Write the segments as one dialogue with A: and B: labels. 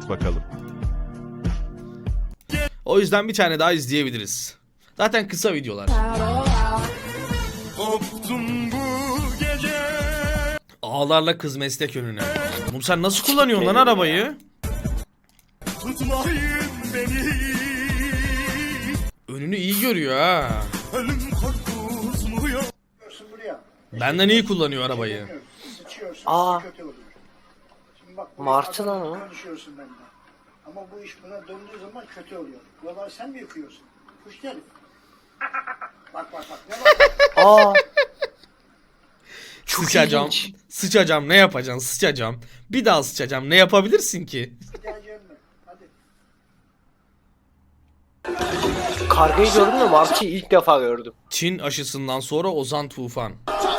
A: Anlat bakalım.
B: O yüzden bir tane daha izleyebiliriz. Zaten kısa videolar. Ağlarla kız meslek önüne. Oğlum sen nasıl kullanıyorsun lan arabayı? Önünü iyi görüyor ha. Benden iyi kullanıyor arabayı.
C: Aa. Martı lan o.
D: Ama bu iş buna döndüğü zaman kötü oluyor. Buraları sen mi yıkıyorsun? Kuş herif. Bak. Ne bak?
C: Aa.
B: Sıçacağım.
C: ilginç.
B: Sıçacağım ne yapacaksın? Sıçacağım. Bir daha sıçacağım. Ne yapabilirsin ki?
D: Geleceğim mi? Hadi.
C: Kargayı gördün mü? Martı'yı ilk defa gördüm.
B: Çin aşısından sonra Ozan Tufan.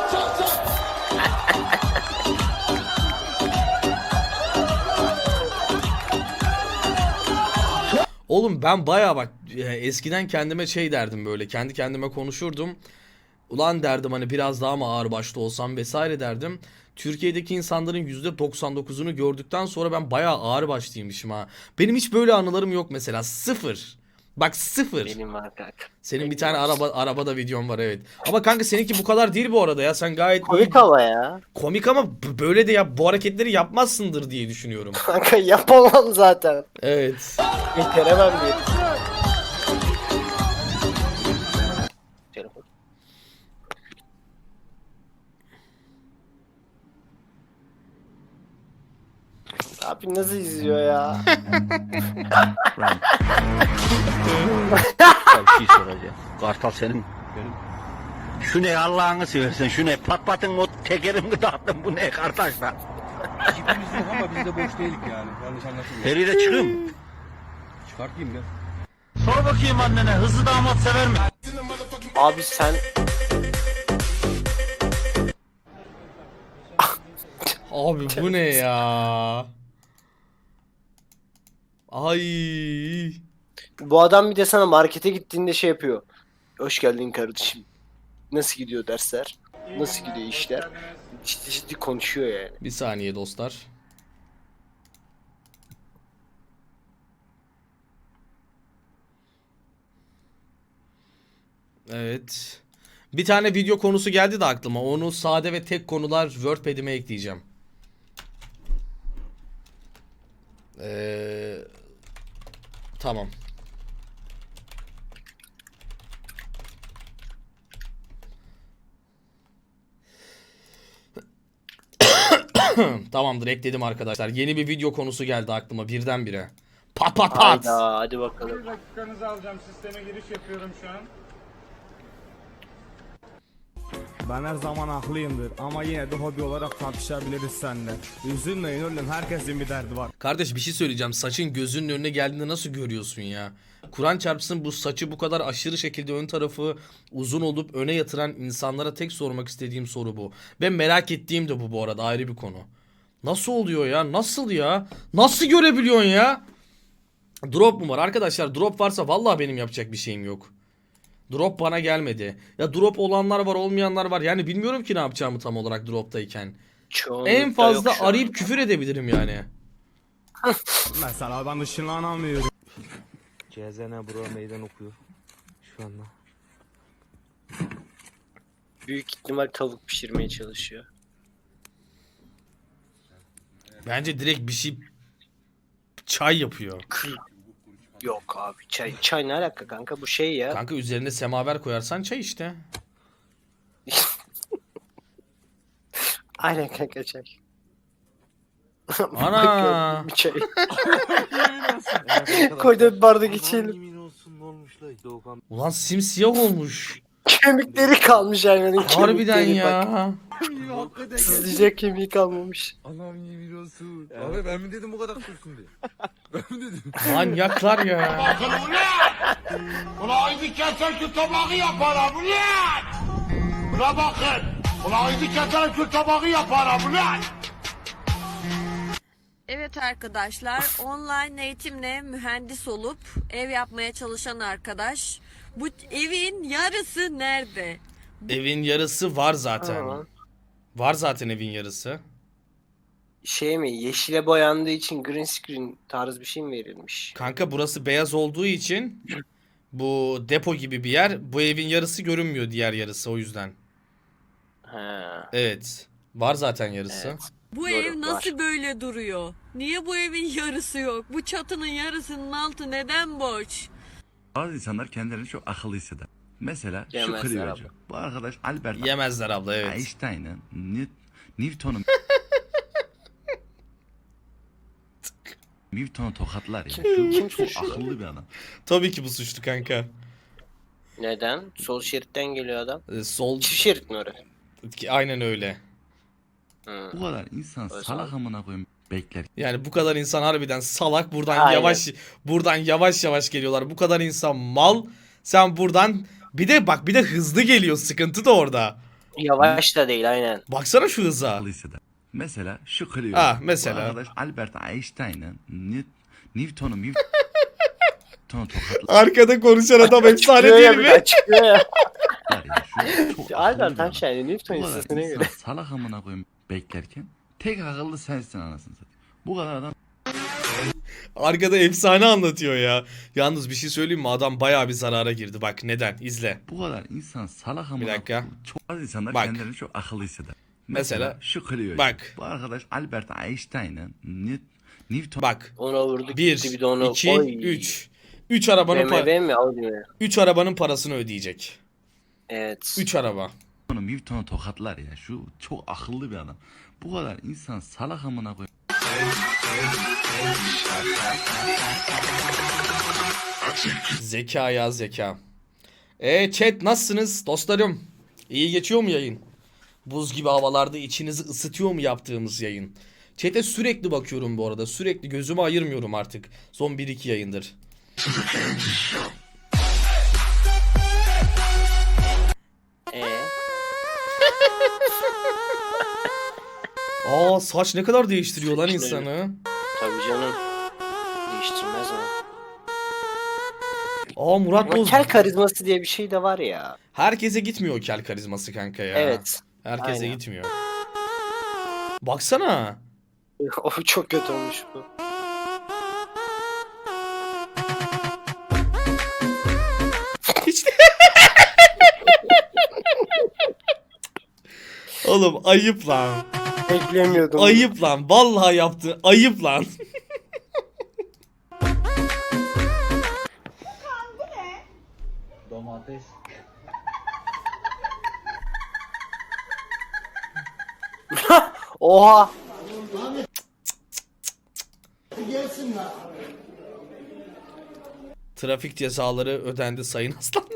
B: Oğlum ben bayağı bak eskiden kendime şey derdim böyle kendi kendime konuşurdum. Ulan derdim hani biraz daha mı ağır başlı olsam vesaire derdim. Türkiye'deki insanların %99'unu gördükten sonra ben bayağı ağır başlıymışım ha. Benim hiç böyle anılarım yok mesela. Sıfır. Bak sıfır.
C: Benim var kanka.
B: Senin bir tane arabada videon var evet. Ama kanka seninki bu kadar değil bu arada ya. Sen gayet
C: Komik ama ya.
B: komik ama böyle de bu hareketleri yapmazsındır diye düşünüyorum.
C: Kanka yapamam zaten.
B: Evet.
C: Beceremem diye. Telefon. Abi nasıl izliyor ya?
E: Bir şey soracağım. Kartal senin. Şu ne Allah'ını seversen şu ne patlatın o tekerimi dağıttın bu ne kardeşler.
F: Cipimiz yok ama biz de boş değilik yani. Yanlış anlaşılma.
E: Feride çıkayım.
F: Çıkartayım ya.
E: Sor bakayım annene hızlı damat sever mi?
C: Abi sen
B: Abi bu ne ya? Ay.
C: bu adam bir de sana markete gittiğinde şey yapıyor. Hoş geldin kardeşim. Nasıl gidiyor dersler? Nasıl gidiyor işler? Ciddi ciddi konuşuyor yani.
B: Bir saniye dostlar. Evet. Bir tane video konusu geldi de aklıma. Onu sade ve tek konular WordPad'ime ekleyeceğim. Tamam. Tamamdır ekledim arkadaşlar. Yeni bir video konusu geldi aklıma birdenbire. Pat pat pat.
C: Hayda hadi bakalım.
G: Bir dakikanızı alacağım. Sisteme giriş yapıyorum şu an.
F: Ben her zaman haklıyımdır ama yine de hobi olarak tartışabiliriz seninle. Üzülmeyin oğlum, herkesin bir derdi var.
B: Kardeş bir şey söyleyeceğim. Saçın gözünün önüne geldiğinde nasıl görüyorsun ya? Kur'an çarpsın bu saçı bu kadar aşırı şekilde ön tarafı uzun olup öne yatıran insanlara tek sormak istediğim soru bu. Ben merak ettiğim de bu arada ayrı bir konu. Nasıl oluyor ya? Nasıl ya? Nasıl görebiliyorsun ya? Drop mu var? Arkadaşlar drop varsa vallahi benim yapacak bir şeyim yok. Drop bana gelmedi. Ya drop olanlar var olmayanlar var. Yani bilmiyorum ki ne yapacağımı tam olarak droptayken.
C: Çoğunlukla
B: En fazla
C: yok şu an.
B: arayıp küfür edebilirim yani.
F: Mesela ben ışınlanamıyorum.
H: CZN bro meydan okuyor şu anda.
C: Büyük ihtimal tavuk pişirmeye çalışıyor.
B: Bence direkt bir şey çay yapıyor.
C: Yok abi çay ne alaka kanka bu şey ya.
B: Kanka üzerine semaver koyarsan çay işte.
C: Aynen kanka çay.
B: Ana.
C: Bir çay. Koydu bir bardak içelim.
H: Yemin olsun ne olmuş la Doğukan.
B: Ulan simsiyah olmuş.
C: Kemikleri kalmış hayvanın
B: Harbiden
C: kemikleri bak.
B: ya.
C: Sızlayacak kemiği kalmamış.
F: Allah'ım yemin olsun. Abi ben mi dedim bu kadar kursun diye? Ben mi dedim?
B: Manyaklar ya.
E: Ulan haydi keser şu tabağı yaparım ulan. Buna bakın. Ulan haydi keser şu tabağı yaparım ulan.
I: Evet arkadaşlar, online eğitimle mühendis olup ev yapmaya çalışan arkadaş. Bu evin yarısı nerede?
B: Evin yarısı var zaten.
C: Aa.
B: Var zaten evin yarısı.
C: Şey mi? Yeşile boyandığı için green screen tarz bir şey mi verilmiş?
B: Kanka burası beyaz olduğu için bu depo gibi bir yer. Bu evin yarısı görünmüyor, diğer yarısı o yüzden.
C: Ha.
B: Evet. Var zaten yarısı.
C: Evet.
I: Bu
C: Doğru,
I: ev nasıl
C: var.
I: böyle duruyor? Niye bu evin yarısı yok? Bu çatının yarısının altı neden boş?
A: Bazı insanlar kendilerini çok akıllı hisseder. Mesela şu
C: Yemezler
A: Clio'cu.
C: abla.
A: Bu arkadaş Albert
B: Yemezler abla, evet.
A: Einstein'ın Newton'u tokatlar ya.
C: Kim
A: Şu çok
C: suçlu?
A: akıllı bir adam.
B: Tabii ki bu suçlu kanka.
C: Neden? Sol şeritten geliyor adam.
B: Sol
C: Çift şerit mi orası?
B: aynen öyle.
C: Hı.
A: Bu kadar insan
C: O
A: salak
C: zaman-
A: amına koyayım bekler.
B: Yani bu kadar insan harbiden salak, buradan
C: Aynen.
B: buradan yavaş yavaş geliyorlar. Bu kadar insan mal. Sen buradan bir de hızlı geliyor. Sıkıntı da orada.
C: Yavaş da değil aynen.
B: Baksana şu hıza.
A: Akıllı hisseder. Mesela şu Clio.
B: Mesela.
A: Bu arkadaş Albert Einstein'ın Newton'u tokatlar
B: Arkada konuşan adam efsane
C: Açıklıyor
B: değil
C: ya bir de
B: mi?
C: açıklıyor ya.
A: ya. Şu çok akıllı
C: Albert
A: bir adam.
C: Einstein'ın Newton
A: Bu kadar
C: hissesine
A: insan
C: göre.
A: salak amına koyayım beklerken tek akıllı sensin anasını satayım. Bu kadar adam
B: Arkada efsane anlatıyor ya. Yalnız bir şey söyleyeyim mi? Adam bayağı bir zarara girdi. Bak neden? İzle.
A: bu kadar insan salak amına
B: Bir dakika.
A: koyayım. Çok az insanlar
B: Bak.
A: kendilerini çok akıllı hisseder.
B: Mesela
A: şu Clio.
B: bak.
A: Bu arkadaş Albert Einstein'ın Newton
B: Bak.
C: Ona vurdu
B: 1,
C: gitti bir de onu.
B: 2,
C: Oy.
B: 3. 3 arabanın
C: BMW mi Audi mi?
B: 3 arabanın parasını ödeyecek.
C: Evet.
B: 3 araba.
A: Newton'u tokatlar ya. Şu çok akıllı bir adam. Bu kadar insan salak amına koyayım.
B: Zeka ya zeka. Chat nasılsınız dostlarım? İyi geçiyor mu yayın? Buz gibi havalarda içinizi ısıtıyor mu yaptığımız yayın? Chat'e sürekli bakıyorum bu arada. Sürekli gözümü ayırmıyorum artık. Son 1-2 yayındır. Saç ne kadar değiştiriyor lan insanı.
C: Tabii canım. Değiştirmez mi?
B: Murat
C: Ama
B: Boz.
C: kel karizması diye bir şey de var ya.
B: Herkese gitmiyor o kel karizması kanka ya.
C: Evet.
B: Herkese
C: aynen.
B: gitmiyor. Baksana.
C: O çok kötü olmuş bu.
B: Hiç de... Oğlum ayıp lan.
C: Beklemiyordum.
B: Ayıp lan. Vallahi yaptı. Ayıp lan.
H: Domates.
C: Oha.
B: Trafik cezaları ödendi sayın aslanlar.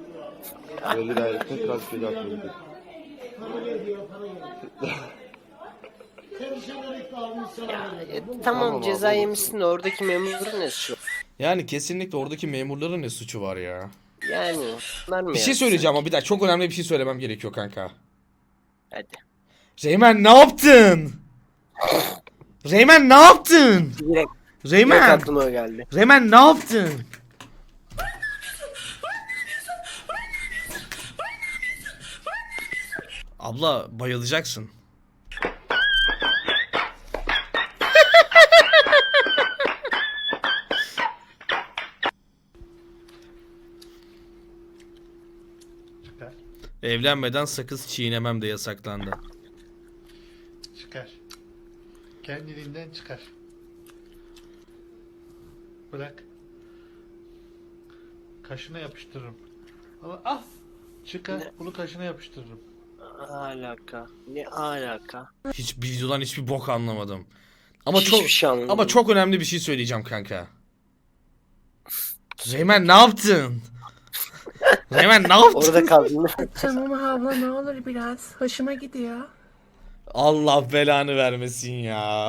C: Tamam ceza yemişsin de oradaki memurun ne suçu?
B: Yani kesinlikle oradaki memurların ne suçu var ya.
C: Yani. Bunlar mı
B: Bir şey
C: ya?
B: söyleyeceğim ama bir dakika çok önemli bir şey söylemem gerekiyor kanka.
C: Hadi.
B: Reymen ne yaptın? Reymen ne yaptın?
C: Direkt
B: Reymen.
C: aklıma o geldi.
B: Reymen ne yaptın? Abla bayılacaksın. Evlenmeden sakız çiğnemem de yasaklandı.
J: Çıkar. Kendiliğinden çıkar. Bırak. Kaşına yapıştırırım. Ama ah! Çıkar. Bunu kaşına yapıştırırım.
C: Alaka. Ne alaka?
B: Hiç videodan hiçbir bok anlamadım. Ama
C: Hiçbir
B: çok
C: şey anlamadım.
B: ama çok önemli bir şey söyleyeceğim kanka. Reymen ne yaptın? Reymen ne yaptın?
C: Orada kaldın.
K: Tamam abla ne olur biraz. Hoşuma gidiyor.
B: Allah belanı vermesin ya.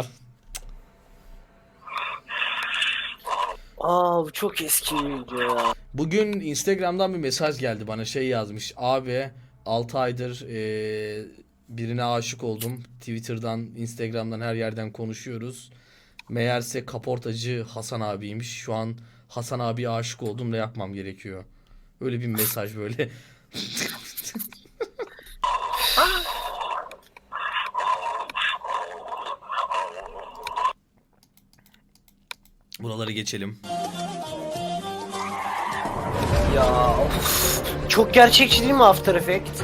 C: Bu çok eski bir video ya.
B: Bugün Instagram'dan bir mesaj geldi bana, şey yazmış. Abi 6 aydır birine aşık oldum. Twitter'dan, Instagram'dan her yerden konuşuyoruz. Meğerse kaportacı Hasan abiymiş. Şu an Hasan abiye aşık oldum, ne yapmam gerekiyor? Öyle bir mesaj böyle. Buraları geçelim.
C: Ya of. Çok gerçekçi değil mi After Effects?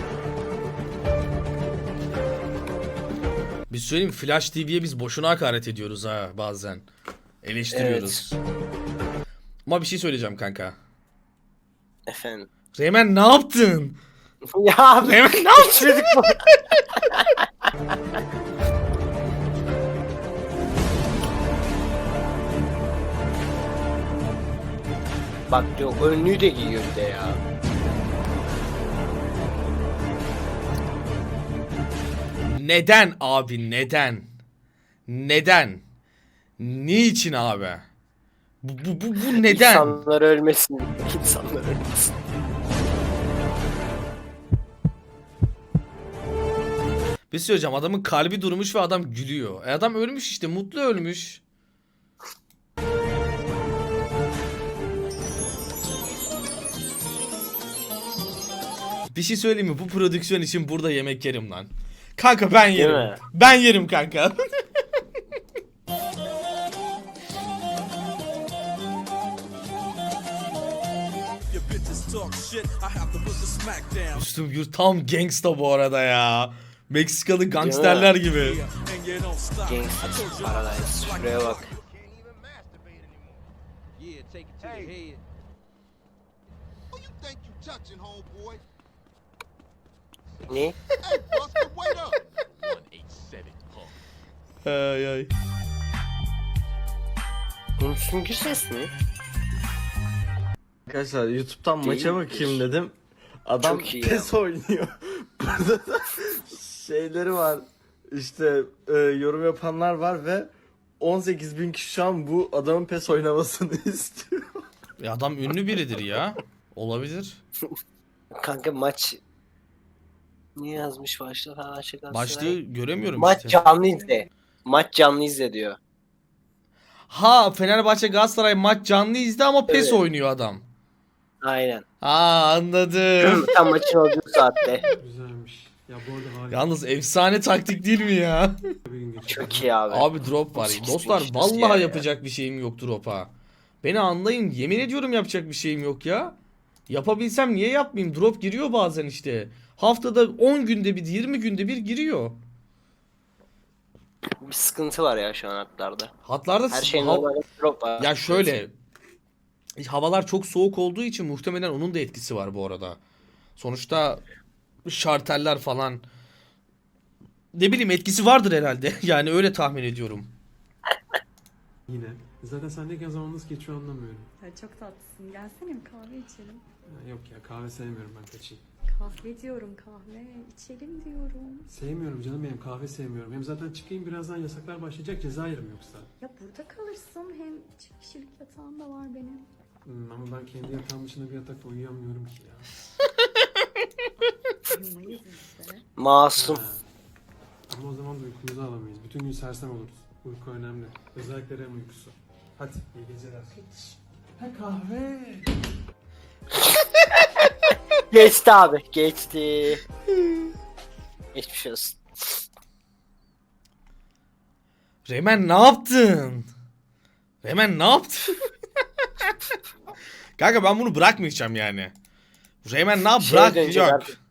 B: Bir söyleyeyim mi? Flash TV'ye biz boşuna hakaret ediyoruz ha bazen. Eleştiriyoruz. Ama bir şey söyleyeceğim kanka.
C: Efendim.
B: Reymen ne yaptın?
C: Ya abi.
B: Reymen ne yaptın?
C: Geçmedik bu. Bak diyor önlüğü de giyiyor bir de ya.
B: Neden abi neden? Neden? Niçin abi? Bu neden?
C: İnsanlar ölmesin. İnsanlar ölmesin.
B: Bir şey söyleyeceğim, adamın kalbi durmuş ve adam gülüyor. Adam ölmüş işte, mutlu ölmüş. Bir şey söyleyeyim mi? Bu prodüksiyon için burada yemek yerim lan. Kanka ben
C: Değil
B: yerim.
C: mi?
B: Ben yerim kanka. Üstüm Gür tam gangsta bu arada ya. Meksikalı gangsterler gibi.
C: Gangsta Paradise. Şuraya bak. Ne?
B: Ay ay.
C: Bunun süngü ses mi?
H: Arkadaşlar YouTube'dan maça
C: Değildir.
H: bakayım dedim. Adam
C: Çok iyi ya.
H: PES oynuyor. Burada da şeyleri var. İşte yorum yapanlar var ve 18.000 kişi şu an bu adamın PES oynamasını istiyor.
B: Adam ünlü biridir ya. Olabilir.
C: Kanka maç niye yazmış başta falan
B: Başlığı göremiyorum
C: Maç
B: işte.
C: canlı izle. Maç canlı izle diyor.
B: Ha, Fenerbahçe Galatasaray maç canlı izle ama PES
C: Evet.
B: oynuyor adam.
C: Aynen.
B: Ha, anladım.
C: Tam maçın olduğu saatte.
F: Güzelmiş. Ya bu arada harika
B: Yalnız efsane taktik değil mi ya?
F: bir gün geçirdim.
C: Çok iyi abi.
B: Abi drop var.
C: 18
B: Dostlar
C: bin
B: vallahi
C: ya.
B: yapacak bir şeyim yok drop'a. Beni anlayın. Yemin ediyorum yapacak bir şeyim yok ya. Yapabilsem niye yapmayayım? Drop giriyor bazen işte. Haftada 10 günde bir, 20 günde bir giriyor.
C: Bir sıkıntı var ya şu an hatlarda.
B: Hatlarda
C: Her şeyin
B: hav-
C: normalde drop var.
B: Ya şöyle, havalar çok soğuk olduğu için muhtemelen onun da etkisi var bu arada. Sonuçta şarteller falan, ne bileyim, etkisi vardır herhalde. Yani öyle tahmin ediyorum.
F: Yine. Zaten sendeyken zaman nasıl geçiyor anlamıyorum.
K: Ya çok tatlısın. Gelsene bir kahve içelim.
F: Ya yok ya kahve sevmiyorum ben kaçayım.
K: Kahve diyorum kahve. İçelim diyorum.
F: Sevmiyorum canım benim kahve sevmiyorum. Hem zaten çıkayım birazdan yasaklar başlayacak ceza yerim yoksa.
K: Ya burada kalırsın. Hem çift kişilik yatağım da var benim.
F: Ama ben kendi yatağım dışında bir yatakta uyuyamıyorum ki ya.
K: Uyumayız işte.
C: Masum.
F: Ha. Ama o zaman da uykumuzu alamayız. Bütün gün sersem oluruz. Uyku önemli. Özellikle REM uykusu. Hadi iyi geceler. Ha kahve.
C: Geçti abi. Geçti. Geçmiş olsun.
B: Reymen ne yaptın? Reymen ne yaptın? Kanka ben bunu bırakmayacağım yani. Reymen ne yap?
C: Şeye
B: Bırak,
C: dönecek
B: yok.
C: artık.